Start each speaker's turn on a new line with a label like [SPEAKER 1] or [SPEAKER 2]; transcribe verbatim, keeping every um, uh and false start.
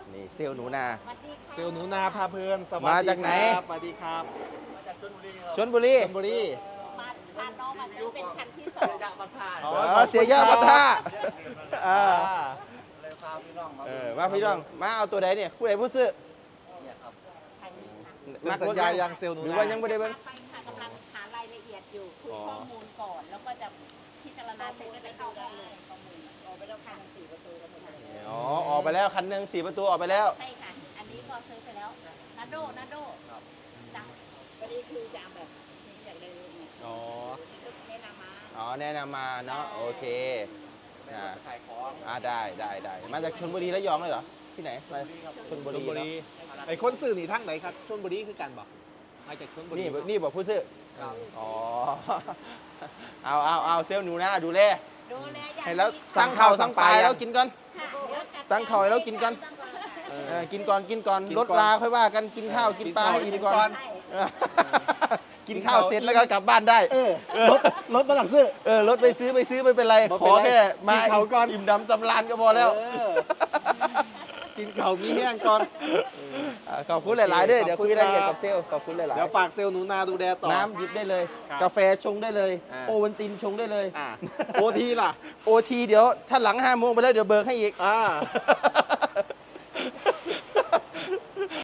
[SPEAKER 1] นี่เซลล์หนูนา
[SPEAKER 2] เซลล์หนูนาพาเพลินสวัสดี
[SPEAKER 1] มาจากไหน
[SPEAKER 2] ครับสวัสดีครับมาจากชลบุรี
[SPEAKER 1] ชลบุรี
[SPEAKER 2] ชลบุรี
[SPEAKER 3] มาพาน้องมาซื้อเป็นคันที่สอง
[SPEAKER 2] จากบางท่า
[SPEAKER 1] อ๋อเสียเยอะบัดท่าเออ
[SPEAKER 2] เลยพาพี่น้องมา
[SPEAKER 1] เออมาพี่น้องมาเอาตัวใดเนี่ยผู้ใดผู้ซื้อ
[SPEAKER 2] เนี่ยครับ
[SPEAKER 3] คันนี้ค่ะ
[SPEAKER 2] เซ็นสัญญายังเซลล์หนูนา
[SPEAKER 1] หรือว่ายังไม่ได้เบิ่ง
[SPEAKER 3] ไปค่ะกำลังหารายละเอียดอยู่คุยข้อมูลก่อน แล้วก็จะพิจารณาเสร็จก็จะเข้าได้เลยข้อมูลออกไปแล้วคันสี่ประตูกันหมดเลย
[SPEAKER 1] อ๋อออกไปแล้วคันหนึ่งสี่ประตูออกไปแล้ว
[SPEAKER 3] ใช่ค่ะ อันนี้ก็ซื้อไปแล้วนาโดนาโดจังวันนี้คือจะเอาแบบนี้จากเลยเนี่ย
[SPEAKER 1] อ๋อ
[SPEAKER 3] ก็แนะนำมา
[SPEAKER 1] อ๋อแนะนำมาเนาะโอเคอ่า
[SPEAKER 2] ขายของ
[SPEAKER 1] อ่าได้ได้ได้มาจากชลบุรีระยองเลยเหรอที่ไหนมาชลบุ
[SPEAKER 2] ชล
[SPEAKER 1] รี
[SPEAKER 2] บุรี
[SPEAKER 1] เนาะ
[SPEAKER 2] ไอ้คนสื่อหนีทั้งไหนครับชลบุรีคือกันบอกมาจากชลบุรี
[SPEAKER 1] นี่นี่บอกผู้ซื้อ
[SPEAKER 2] ครับ
[SPEAKER 1] อ๋อ เอาเอาเอาเซลล์หนูนะดูแล
[SPEAKER 3] ดูแลอย่าง
[SPEAKER 1] ให้แล้ว
[SPEAKER 3] ดี
[SPEAKER 1] สั่งข้าวสั่งปลาให้แล้วกินก่อน
[SPEAKER 3] ค่ะเดี๋ยวจัด
[SPEAKER 1] สั่งข้าวให้เรากินกัน
[SPEAKER 2] เอ
[SPEAKER 1] เออกินก่อนกินก่อน
[SPEAKER 2] กิน
[SPEAKER 1] ล
[SPEAKER 2] ก่
[SPEAKER 1] ด
[SPEAKER 2] อน
[SPEAKER 1] ลาค่อยว่ากันกินข้าวกินปลาให้
[SPEAKER 2] กิ
[SPEAKER 1] อิ่
[SPEAKER 2] น
[SPEAKER 1] มก่อน
[SPEAKER 2] ก่อน
[SPEAKER 1] เออกินข้าวเสร็จแล้วก็กลับบ้านได้
[SPEAKER 2] เออรถรถมาหลังซื้อ
[SPEAKER 1] เออรถไปซื้อไปซื้อไม่เป็นไร
[SPEAKER 2] บ่
[SPEAKER 1] ข
[SPEAKER 2] เป็น
[SPEAKER 1] อ
[SPEAKER 2] ไร
[SPEAKER 1] แค่มา
[SPEAKER 2] กินข้าวก่อน
[SPEAKER 1] อิ่มดำสำราญก็พอแล้ว
[SPEAKER 2] เออกินข้าวมีแห้งก่อน
[SPEAKER 1] อ่าขอบคุณหลายๆเด้อ
[SPEAKER 2] ขอบ
[SPEAKER 1] เดี๋ยว
[SPEAKER 2] คุณ
[SPEAKER 1] คุยรายละเอียด
[SPEAKER 2] ครั
[SPEAKER 1] กับบ เซลล์ขอบคุณหลาย
[SPEAKER 2] เดี๋ยวฝากเซลล์หนูนาดูแลต่อ
[SPEAKER 1] ๆน้ำหยิบได้เลย
[SPEAKER 2] ครับ
[SPEAKER 1] กาแฟชงได้เลย
[SPEAKER 2] อ่า
[SPEAKER 1] โอวันตินชงได้เลย
[SPEAKER 2] อ่าโอทีล่ะ
[SPEAKER 1] โอทีเดี๋ยวถ้าหลังห้าโมงไปแล้วเดี๋ยวเบิกให้อีก
[SPEAKER 2] อ่า